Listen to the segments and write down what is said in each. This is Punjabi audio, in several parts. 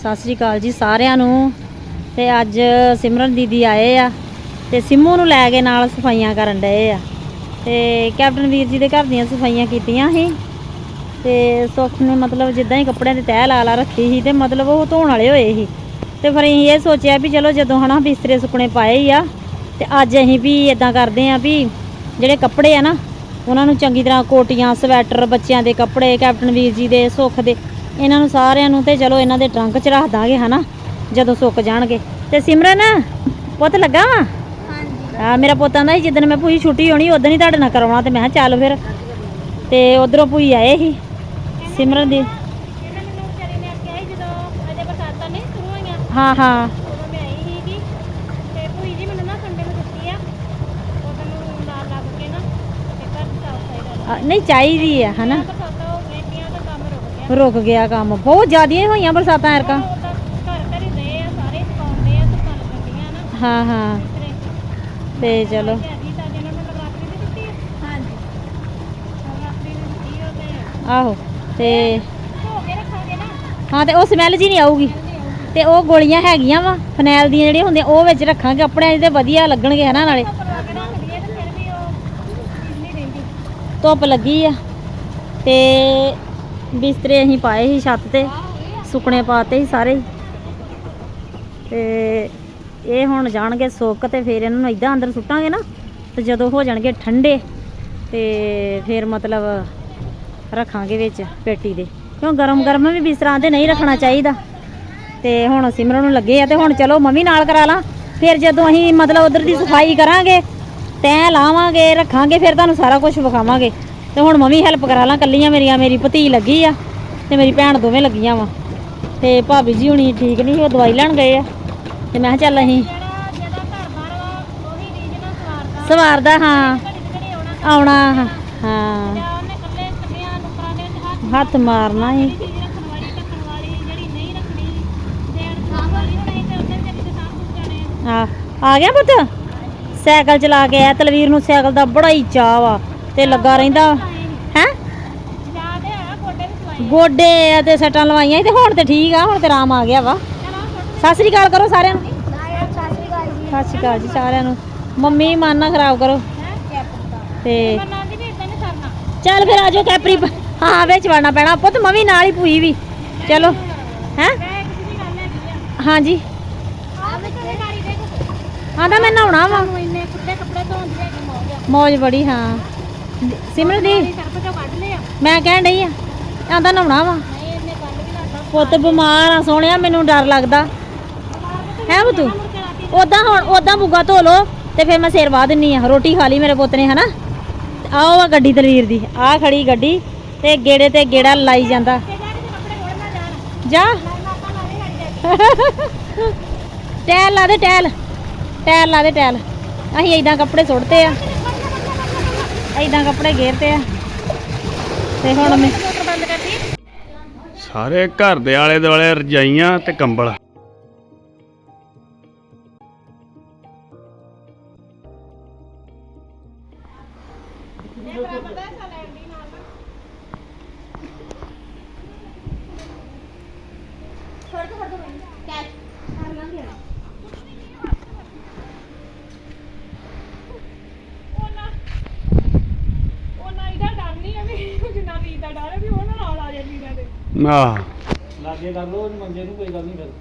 सत श्री अकाल जी सारिਆਂ ਨੂੰ। ਤੇ ਅੱਜ ਸਿਮਰਨ ਦੀਦੀ ਆਏ ਆ ਤੇ ਸਿੰਮੂ ਨੂੰ ਲੈ ਕੇ ਨਾਲ ਸਫਾਈਆਂ ਕਰਨ ਡਏ ਆ ਤੇ ਕੈਪਟਨ ਵੀਰ ਜੀ ਦੇ ਘਰ ਦੀਆਂ ਸਫਾਈਆਂ ਕੀਤੀਆਂ ਸੀ ਤੇ ਸੁੱਖ ਨੇ ਮਤਲਬ ਜਿੱਦਾਂ ਹੀ ਕੱਪੜਿਆਂ ਦੀ ਤਹਿ ਲਾ ਲਾ ਰੱਖੀ ਸੀ ਤੇ ਮਤਲਬ ਉਹ ਧੋਣ ਵਾਲੇ ਹੋਏ ਸੀ ਤੇ ਫਿਰ ਅਸੀਂ ਇਹ ਸੋਚਿਆ ਵੀ ਚਲੋ ਜਦੋਂ ਹਨਾ ਬਿਸਤਰੇ ਸੁੱਕਣੇ ਪਾਏ ਹੀ ਆ ਤੇ ਅੱਜ ਅਸੀਂ ਵੀ ਇਦਾਂ ਕਰਦੇ ਆ ਵੀ ਜਿਹੜੇ ਕੱਪੜੇ ਆ ਨਾ ਉਹਨਾਂ ਨੂੰ ਚੰਗੀ ਤਰ੍ਹਾਂ ਕੋਟੀਆਂ ਸਵੈਟਰ ਬੱਚਿਆਂ ਦੇ ਕੱਪੜੇ ਕੈਪਟਨ ਵੀਰ ਜੀ ਦੇ ਸੁੱਖ ਦੇ ਇਹਨਾਂ ਨੂੰ ਸਾਰਿਆਂ ਨੂੰ ਤੇ ਚਲੋ ਇਹਨਾਂ ਦੇ ਟਰੰਕ 'ਚ ਰੱਖ ਦਾਂਗੇ ਹਨਾ ਜਦੋਂ ਸੁੱਕ ਜਾਣਗੇ। ਤੇ ਸਿਮਰਨ ਪੁੱਤ ਲੱਗਾ ਵਾ ਹਾਂ ਮੇਰਾ ਪੁੱਤ ਆਂਦਾ ਸੀ ਜਿੱਦਣ ਮੈਂ ਭੂਈ ਛੁੱਟੀ ਹੋਣੀ ਉਦੋਂ ਹੀ ਤੁਹਾਡੇ ਨਾਲ ਕਰਾਉਣਾ ਤੇ ਮੈਂ ਕਿਹਾ ਚੱਲ ਫਿਰ ਤੇ ਉਧਰੋਂ ਭੂਈ ਆਏ ਸੀ ਸਿਮਰਨ ਦੀ ਹਾਂ ਹਾਂ नहीं चाहिए है है ना रुक गया काम बहुत ज़्यादा हुई बरसात एरका हाँ हाँ ते चलो आहो ते हाँ तो स्मैल जी नहीं आऊगी तो वो गोलियां हैगियां वा फनैल दी जिहड़ियां हुंदियां ओह विच रखांगे कपड़े ते वधिया लगणगे है ना नाले धुप लगी आ ते बिस्तरे असीं पाए ही छत ते सुकने पाते ही सारे ते ये हुण जाणगे सुक ते फिर इन्हां नूं इदां अंदर सुट्टांगे ना ते जदों हो जाणगे ठंडे ते फिर मतलब रखांगे विच पेटी दे क्यों गरम गरम भी बिस्तरा आंदे नहीं रखना चाहिदा। ते हुण सिमरन नूं लगे आ ते हुण चलो मम्मी नाल करा ला फिर जदों असीं मतलब उधर दी सफाई करांगे तैं लावांगे रखांगे फिर तुहानूं सारा कुछ विखावांगे ते हुण मम्मी हैल्प करा ला कल्लियां मेरी भती लगी आ ते मेरी भैन दोवें लगियां वा ते भाभी जी हुणी ठीक नहीं वो दवाई लैण गए आ ते मैं चल असीं सवारदा हाँ आउणा हाँ हत्थ मारना ही आ गया पुत्त साइकिल चला के आया तलवीर नूं साइकिल दा बड़ा ही चाऽ वा ते लगा रहिंदा है गोडे ते सट्टां लवाइयां ते हुण ते ठीक आ हुण ते आराम आ गया वा। सत श्री अकाल करो सारिਆਂ ਨੂੰ सत श्री अकाल जी सारिਆਂ ਨੂੰ मम्मी मन ना खराब करो ते चल फिर आजो कैपरी हाँ बिच वड़ना पैना पुत्त मम्मी नाल ही भूई भी चलो हैं हाँ जी हाँ तो मैं नहाना वा मौज बड़ी हाँ सिमरन दी मैं कह रही आंदा नहाना वा पुत्त बीमार आ सोहणिया मैनू डर लगदा है पुत्त उदां हुण उदां बुग्गा धो लो ते फिर मैं सिर वाह दिन्नी आ रोटी खा ली मेरे पुत्त ने है ना। आओ आ गड्डी दलवीर दी आ खड़ी गड्डी ते गेड़े ते गेड़ा लाई जांदा जा टैल ला दे टैल टैल ला दे टैल असीं इदां कपड़े सुट्टते आ इदां कपड़े घेरते आ ते हुण मैं सारे घर दे आले दुआले रजाइयां ते कंबल लागे कर लो मंजे नूं कोई गल नहीं फिर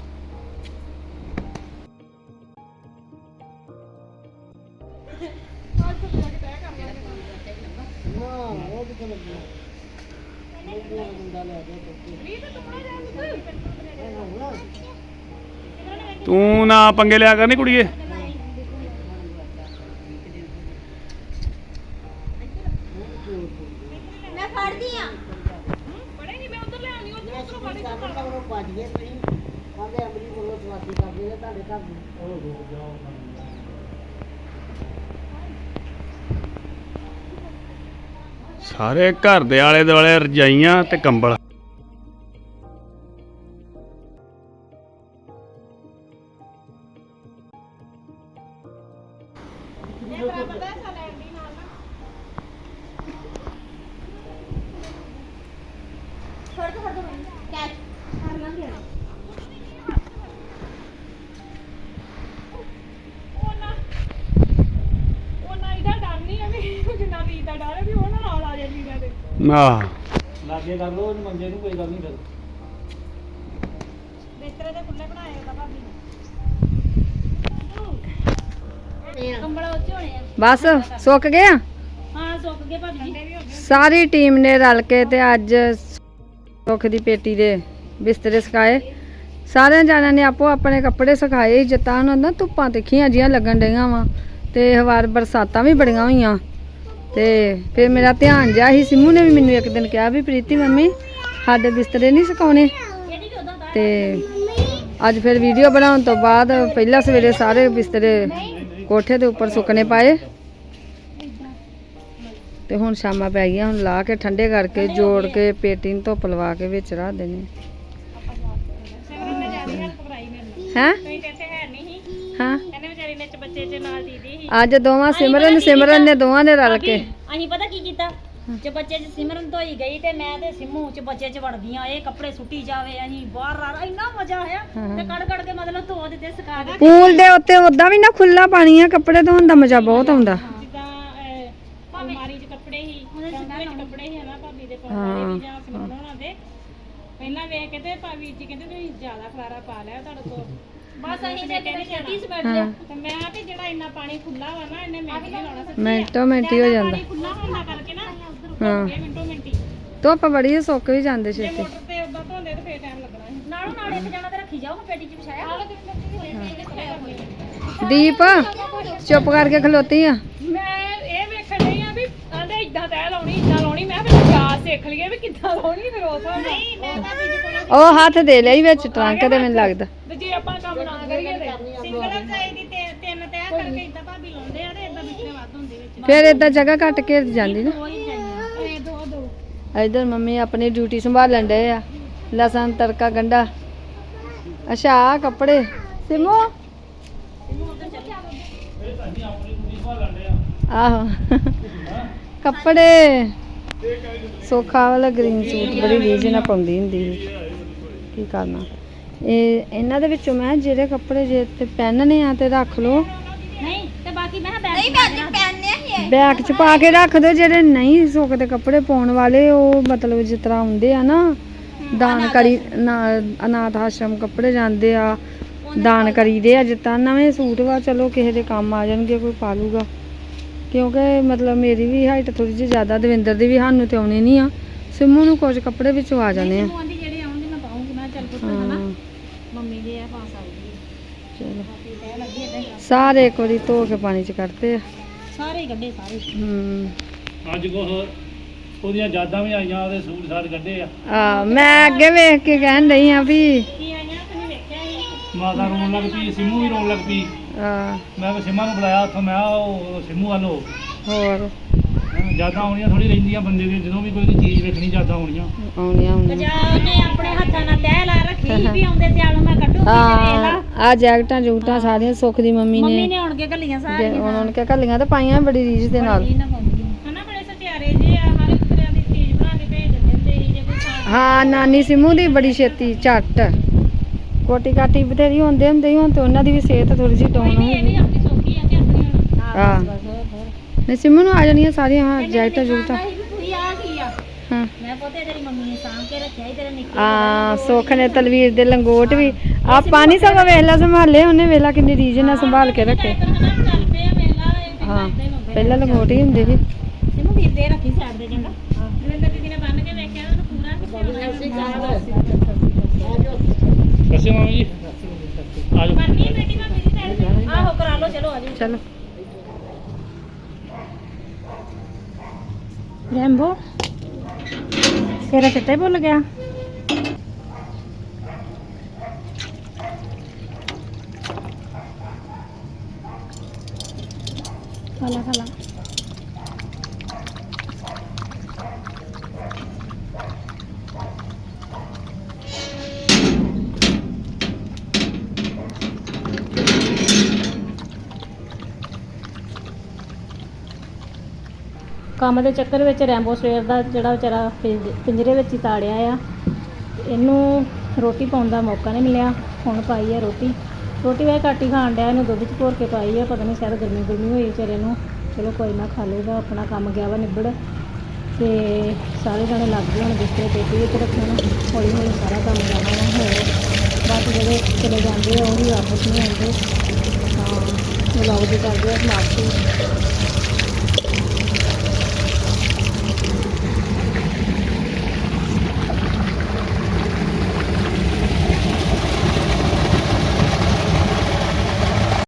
तू ना पंगे लिया करनी कुड़िए सारे घर दे आले दुआले रजाइयां ते कंबल ਆਹ ਲਾਗੇ ਕਰ ਲਓ ਉਹਨੂੰ ਮੰਜੇ ਨੂੰ ਕੋਈ ਗੱਲ ਨਹੀਂ ਫਿਰ ਬਿਸਤਰੇ ਦੇ ਖੁੱਲੇ ਬਣਾਏ ਉਹਦਾ ਭਾਬੀ ਨੇ ਕੰਬਲ ਉੱਚੇ ਹੋਣੇ ਆ ਬਸ ਸੁੱਕ ਗਏ ਆ ਹਾਂ ਸੁੱਕ ਗਏ ਭਾਬੀ ਜੀ ਸਾਰੀ ਟੀਮ ਨੇ ਰਲ ਕੇ ਤੇ ਅੱਜ ਸੁੱਖ ਦੀ ਪੇਟੀ ਦੇ ਬਿਸਤਰੇ ਸੁਕਾਏ। ਸਾਰਿਆਂ ਜਾਣਿਆਂ ਨੇ ਆਪੋ ਆਪਣੇ ਕੱਪੜੇ ਸੁਕਾਏ ਜਿੱਤਾਂ ਉਹਨਾਂ ਦਾ ਧੁੱਪਾਂ ਤਿੱਖੀਆਂ ਜੀਆਂ ਲੱਗਣ ਡਈਆਂ ਵਾ ਤੇ ਹਵਾਰ ਬਰਸਾਤਾਂ ਵੀ ਬੜੀਆਂ ਹੋਈਆਂ ਤੇ ਫਿਰ ਮੇਰਾ ਧਿਆਨ ਜਿਹਾ ਸੀ। ਸਿੰਮੂ ਨੇ ਵੀ ਮੈਨੂੰ ਇੱਕ ਦਿਨ ਕਿਹਾ ਵੀ ਪ੍ਰੀਤੀ ਮੰਮੀ ਸਾਡੇ ਬਿਸਤਰੇ ਨਹੀਂ ਸੁਕਾਉਣੇ ਤੇ ਅੱਜ ਫਿਰ ਵੀਡੀਓ ਬਣਾਉਣ ਤੋਂ ਬਾਅਦ ਪਹਿਲਾਂ ਸਵੇਰੇ ਸਾਰੇ ਬਿਸਤਰੇ ਕੋਠੇ ਦੇ ਉੱਪਰ ਸੁੱਕਣੇ ਪਾਏ ਤੇ ਹੁਣ ਸ਼ਾਮਾਂ ਪੈ ਗਈਆਂ। ਹੁਣ ਲਾ ਕੇ ਠੰਡੇ ਕਰਕੇ ਜੋੜ ਕੇ ਪੇਟੀ ਨੂੰ ਧੁੱਪ ਲਵਾ ਕੇ ਵਿੱਚ ਰੱਖ ਦੇਣੇ ਹੈ ਹਾਂ ਅੱਜ ਦੋਵਾਂ ਸਿਮਰਨ ਨੇ ਦੋਵਾਂ ਨੇ ਰਲ ਕੇ ਅਸੀਂ ਪਤਾ ਕੀ ਕੀਤਾ ਚ ਬੱਚੇ ਚ ਸਿਮਰਨ ਧੋਈ ਗਈ ਤੇ ਮੈਂ ਤੇ ਸਿੰਮੂ ਚ ਬੱਚੇ ਚ ਵੜਦੀਆਂ ਇਹ ਕੱਪੜੇ ਸੁੱਟੀ ਜਾਵੇ ਅਸੀਂ ਬਾਹਰ ਇੰਨਾ ਮਜ਼ਾ ਆਇਆ ਤੇ ਕੜ ਕੇ ਮਤਲਬ ਧੋ ਦਿੱਤੇ ਸੁਕਾ ਦਿੱਤੇ। ਪੂਲ ਦੇ ਉੱਤੇ ਉਦਾਂ ਵੀ ਨਾ ਖੁੱਲਾ ਪਾਣੀ ਆ ਕੱਪੜੇ ਧੋਣ ਦਾ ਮਜ਼ਾ ਬਹੁਤ ਆਉਂਦਾ। ਅਲਮਾਰੀ 'ਚ ਕੱਪੜੇ ਹੀ ਵਿੱਚ ਕੱਪੜੇ ਹੀ ਹਨਾ ਭਾਬੀ ਦੇ ਪਾਉਣ ਵਾਲੇ ਵੀ ਜਾਂ ਸਿਮਰਨ ਹੋਣਾ ਦੇ ਪਹਿਲਾਂ ਵੇਖ ਕੇ ਤੇ ਭਾਬੀ ਜੀ ਕਹਿੰਦੇ ਤੁਸੀਂ ਜ਼ਿਆਦਾ ਖਲਾਰਾ ਪਾ ਲਿਆ ਤੁਹਾਡੇ ਕੋਲ ਬਸ ਅਸੀਂ ਤੇ ਕਿਤੇ ਛੇਤੀ ਸਮੇਟ ਲਿਆ ਤੇ ਮੈਂ ਤੇ ਜਿਹੜਾ ਇੰਨਾ ਪਾਣੀ ਖੁੱਲਾ ਵਾ ਨਾ ਇਹਨੇ ਮਿੰਟ ਨਹੀਂ ਲਾਉਣਾ ਸੱਚੀ ਮਿੰਟੋ ਮਿੰਟ ਹੀ ਹੋ ਜਾਂਦਾ। ਪਾਣੀ ਖੁੱਲਾ ਹੋਣ ਦਾ ਕਰਕੇ ਨਾ ਹਾਂ ਮਿੰਟੋ ਮਿੰਟੀ ਧੁੱਪ ਬੜੀ ਆ, ਸੁੱਕ ਵੀ ਜਾਂਦੇ ਜੇ ਛੇਤੀ। ਮੋਟਰ ਤੇ ਉਦਾਂ ਧੋਂਦੇ ਤੇ ਫੇਰ ਟਾਈਮ ਲੱਗਣਾ ਸੀ ਨਾਲੋਂ ਨਾਲ ਇੱਕ ਜਣਾ ਤੇ ਰੱਖੀ ਜਾਓ ਪੇਟੀ ਚ ਵਿਛਾਇਆ ਦੀਪ ਚੁੱਪ ਕਰਕੇ ਖਲੋਤੀ ਆ। ਮੈਂ ਇਹ ਵੇਖਣ ਡਈ ਆ ਵੀ ਆਂਦੇ ਇਦਾਂ ਤੈ ਲਾਉਣੀ ਇਦਾਂ ਲਾਉਣੀ ਮੈਂ ਫਿਰ ਜਾਚ ਸਿੱਖ ਲਈ ਵੀ ਕਿੱਦਾਂ ਲਾਉਣੀ ਫਿਰ ਉਹ ਨਹੀਂ ਮੈਂ ਭਾਬੀ ਜੀ ਕੋਲ ਉਹ ਹੱਥ ਦੇ ਲਈ ਵਿੱਚ ਟਰੰਕ ਦੇ ਮੈਨੂੰ ਲੱਗਦਾ। ਤੇ ਜੇ ਆਪਾਂ ਕੰਮ ਨਾ ਕਰੀਏ ਤੇ ਸਿੰਗਲ ਚਾਹੀਦੀ ਤੇ ਤਿੰਨ ਤੈਅ ਕਰਕੇ ਇਦਾਂ ਭਾਬੀ ਲਾਉਂਦੇ ਆ ਤੇ ਇਦਾਂ ਬਿਸਤਰੇ ਵੱਧ ਹੁੰਦੇ ਵਿੱਚ ਫਿਰ ਏਦਾਂ ਜਗ੍ਹਾ ਘੱਟ ਘੇਰ ਜਾਂਦੀ ਨਾ। ਇਹ ਦੋ ਇਧਰ ਮੰਮੀ ਆਪਣੀ ਡਿਊਟੀ ਸੰਭਾਲਣ ਡਏ ਆ। ਲਸਣ ਤੜਕਾ ਗੰਢਾ। ਅੱਛਾ ਆਹ ਕੱਪੜੇ ਸਿਮੂ ਆਹੋ ਕੱਪੜੇ ਸੋਖਾ ਵਾਲਾ ਗ੍ਰੀਨ ਸੂਟ ਬੜੀ ਰੀਝ ਨਾਲ ਪਾਉਂਦੀ ਹੁੰਦੀ ਸੀ। ਕੀ ਕਰਨਾ ਇਹ ਇਹਨਾਂ ਦੇ ਵਿੱਚੋਂ ਮੈਂ ਜਿਹੜੇ ਕੱਪੜੇ ਜੇ ਤੇ ਪਹਿਨਣੇ ਆ ਤੇ ਰੱਖ ਲਓ ਨਹੀਂ ਤੇ ਬਾਕੀ ਮੈਂ ਬੈਗ ਬੈਗ 'ਚ ਪਾ ਕੇ ਰੱਖ ਦਿਓ। ਜਿਹੜੇ ਨਹੀਂ ਸੁੱਕਦੇ ਕੱਪੜੇ ਪਾਉਣ ਵਾਲੇ ਉਹ ਮਤਲਬ ਜਿਸ ਤਰ੍ਹਾਂ ਹੁੰਦੇ ਆ ਨਾ ਦਾਨ ਕਰੀ ਅਨਾਥ ਆਸ਼ਰਮ ਕੱਪੜੇ ਜਾਂਦੇ ਆ ਦਾਨ ਕਰੀਦੇ ਆ। ਜਿੱਦਾਂ ਨਵੇਂ ਸੂਟ ਵਾ ਚਲੋ ਕਿਸੇ ਦੇ ਕੰਮ ਆ ਜਾਣਗੇ ਕੋਈ ਪਾ ਲੂਗਾ ਕਿਉਂਕਿ ਮਤਲਬ ਮੇਰੀ ਵੀ ਹਾਈਟ ਥੋੜੀ ਜਿਹੀ ਜ਼ਿਆਦਾ ਦਵਿੰਦਰ ਦੀ ਵੀ ਸਾਨੂੰ ਤੇ ਆਉਣੀ ਨਹੀਂ ਆ। ਸਿੰਮੂ ਨੂੰ ਕੁਝ ਕੱਪੜੇ ਵਿੱਚ ਆ ਜਾਣੇ ਆ। ਦੀ ਜਿਹੜੇ ਆਉਂਦੀ ਮੈਂ ਪਾਉਂਗੀ ਮੈਂ ਚੱਲ ਪੁੱਤ ਹਨਾ ਮੰਮੀ ਦੇ ਆ ਪਾ ਸਕਦੀ ਚਲੋ ਸਾਰੇ ਇੱਕ ਵਾਰੀ ਧੋ ਕੇ ਪਾਣੀ 'ਚ ਕੱਢਦੇ ਆ ਸਾਰੇ ਹੀ ਕੱਢੇ ਸਾਰੇ ਅੱਜ ਉਹਦੀਆਂ ਯਾਦਾਂ ਵੀ ਆਈਆਂ ਉਹਦੇ ਸੂਟ ਸਾਟ ਕੱਢੇ ਆ ਮੈਂ ਅੱਗੇ ਵੇਖ ਕੇ ਕਹਿਣ ਰਹੀ ਆ ਵੀ ਕੀ ਆਈਆਂ ਤੁਸੀਂ ਵੇਖਿਆ ਸੀ ਮਾਤਾ ਰੋਣ ਲੱਗ ਪਈ ਸਿੰਮੂ ਵੀ ਰੋਣ ਲੱਗ ਪਈ। ਮੈਂ ਸਿੰਮਾ ਨੂੰ ਬੁਲਾਇਆ ਉੱਥੋਂ ਮੈਂ ਉਹ ਸਿੰਮੂ ਵੱਲ ਹੋਰ ਯਾਦਾਂ ਆਉਣੀਆਂ ਥੋੜੀ ਰਹਿੰਦੀਆਂ ਬੰਦੇ ਦੀ ਜਦੋਂ ਵੀ ਕੋਈ ਚੀਜ਼ ਵੇਖਣੀ ਯਾਦਾਂ ਆਉਣੀਆਂ। ਆਉਣੀਆਂ ਗਜਾ ਉਹਨੇ ਆਪਣੇ ਹੱਥਾਂ ਨਾਲ ਤਹਿ ਲਾ ਰੱਖੀ ਵੀ ਆਉਂਦੇ ਸਿਆਲ ਮੈਂ ਕੱਢੂਗੀ ਤੇ ਵੇਖ ਲਾ ਆ ਜੈਕਟਾਂ ਜੂਕਟਾਂ ਸਾਰੀਆਂ ਸੁੱਖ ਦੀ ਮੰਮੀ ਮੰਮੀ ਨੇ ਨੇ ਆਉਣ ਕੇ ਘੱਲੀਆਂ ਸਾਰੀਆਂ ਉਹਨਾਂ ਨੇ ਘੱਲੀਆਂ ਤੇ ਪਾਈਆਂ ਬੜੀ ਰੀਝ ਦੇ ਨਾਲ। ਹਨਾ ਬੜੇ ਸਟਿਆਰੇ ਜੇ ਆ ਹਰ ਇੱਕ ਤਰ੍ਹਾਂ ਦੀ ਚੀਜ਼ ਬਣਾ ਕੇ ਭੇਜ ਦਿੰਦੇ ਹੁੰਦੇ ਸੀ ਜੇ ਕੋਈ ਖਾਣ ਹਾਂ ਨਾਨੀ ਸਿੰਮੂ ਦੀ ਬੜੀ ਛੇਤੀ ਝੱਟ ਕੋਟੀ ਕਾਟੀ ਬਥੇਰੀ ਹੁੰਦੇ ਹੁੰਦੇ ਸੀ। ਹੁਣ ਤੇ ਉਹਨਾਂ ਦੀ ਵੀ ਸਿਹਤ ਥੋੜੀ ਜਿਹੀ ਡਾਊਨ ਹੋ ਇਹ ਵੀ ਗਈ। ਆਪਣੀ ਸੌਖੀ ਆ ਕਿ ਆਪਣੀ ਹੁਣ ਹਾਂ ਨਹੀਂ ਸਿੰਮੂ ਨੂੰ ਆ ਜਾਣੀਆਂ ਸਾਰੀਆਂ ਹਾਂ ਜੈਕਟਾਂ ਜੂਕਟਾਂ ਤੁਸੀਂ ਆ ਕੀ ਆ ਹਾਂ ਮੈਂ ਪੋਤੇ ਤੇਰੀ ਮੰਮੀ ਨੇ ਸਾਂਭ ਕੇ ਰੱਖਿਆ ਸੀ ਤੇਰੇ ਨਿੱਕੇ ਆ ਸੁੱਖ ਨੇ ਤਲਵੀਰ ਦੇ ਲੰਗੋਟ ਵੀ ਆਪਾਂ ਨਹੀਂ ਸਗੋਂ ਵੇਲਾ ਸੰਭਾਲੇ ਉਹਨੇ ਵੇਲਾ ਕਿੰਨੀ ਰੀਝ ਨਾਲ ਸੰਭਾਲ ਕੇ ਰੱਖੇ। ਚੱਲ ਪਏ ਆ ਵੇਲਾ ਇਹ ਹਾਂ ਪਹਿਲਾਂ ਲੰਗੋਟ ਹੀ ਹੁੰਦੇ ਸੀ। ਸਿਮੂ ਵੀਰ ਦੇ ਰੱਖੀ ਸਾਈਡ ਦੇ ਚੰਗਾ ਦਵਿੰਦਰ ਦੀਦੀ ਨੇ ਬੰਨ ਕੇ ਵੇਖਿਆ ਉਹਨੂੰ ਪੂਰਾ ਦੱਸਿਓ ਮਾਮੀ ਜੀ ਆ ਜਾਓ। ਬੰਨੀ ਬੇਟੀ ਭਾਬੀ ਦੀ ਸਾਈਡ ਤੇ ਆਹੋ ਕਰਾ ਲਓ ਚਲੋ ਆ ਜਾਓ ਚਲੋ ਰੈਂਬੋ ਤੇਰਾ ਚਿੱਟਾ ਹੀ ਭੁੱਲ ਗਿਆ ਖਾਲਾ ਖਾਲਾ ਕੰਮ ਦੇ ਚੱਕਰ ਵਿੱਚ ਰੈਂਬੋ ਸਵੇਰ ਦਾ ਜਿਹੜਾ ਵਿਚਾਰਾ ਪਿੰਜਰੇ ਵਿੱਚ ਹੀ ਤਾੜਿਆ ਆ। ਇਹਨੂੰ ਰੋਟੀ ਪਾਉਣ ਦਾ ਮੌਕਾ ਨਹੀਂ ਮਿਲਿਆ। ਹੁਣ ਪਾਈ ਆ ਰੋਟੀ ਵੇ ਘੱਟ ਹੀ ਖਾਣ ਡਿਆ। ਇਹਨੂੰ ਦੁੱਧ 'ਚ ਘੋਰ ਕੇ ਪਾਈ ਆ। ਪਤਾ ਨਹੀਂ ਸ਼ਾਇਦ ਗਰਮੀ ਹੋਈ ਵਿਚਾਰੇ ਨੂੰ। ਚਲੋ ਕੋਈ ਨਾ ਖਾ ਲੇਗਾ। ਆਪਣਾ ਕੰਮ ਗਿਆ ਵਾ ਨਿਬੜ ਤੇ ਸਾਰੇ ਜਣੇ ਲੱਗ ਗਏ ਹੁਣ ਬਿਸਤਰੇ ਪੇਟੀ ਵਿੱਚ ਰੱਖਣ। ਹੌਲੀ ਹੌਲੀ ਸਾਰਾ ਕੰਮ ਜਾਣਾ ਵਾ ਹੋਰ ਬਾਕੀ ਜਿਹੜੇ ਚਲੇ ਜਾਂਦੇ ਆ ਉਹ ਵੀ ਵਾਪਸ ਨਹੀਂ ਆਉਂਦੇ। ਤਾਂ ਵਲੌਗ ਦੀ ਕਰਦੇ ਆ ਸਮਾਪਤੀ।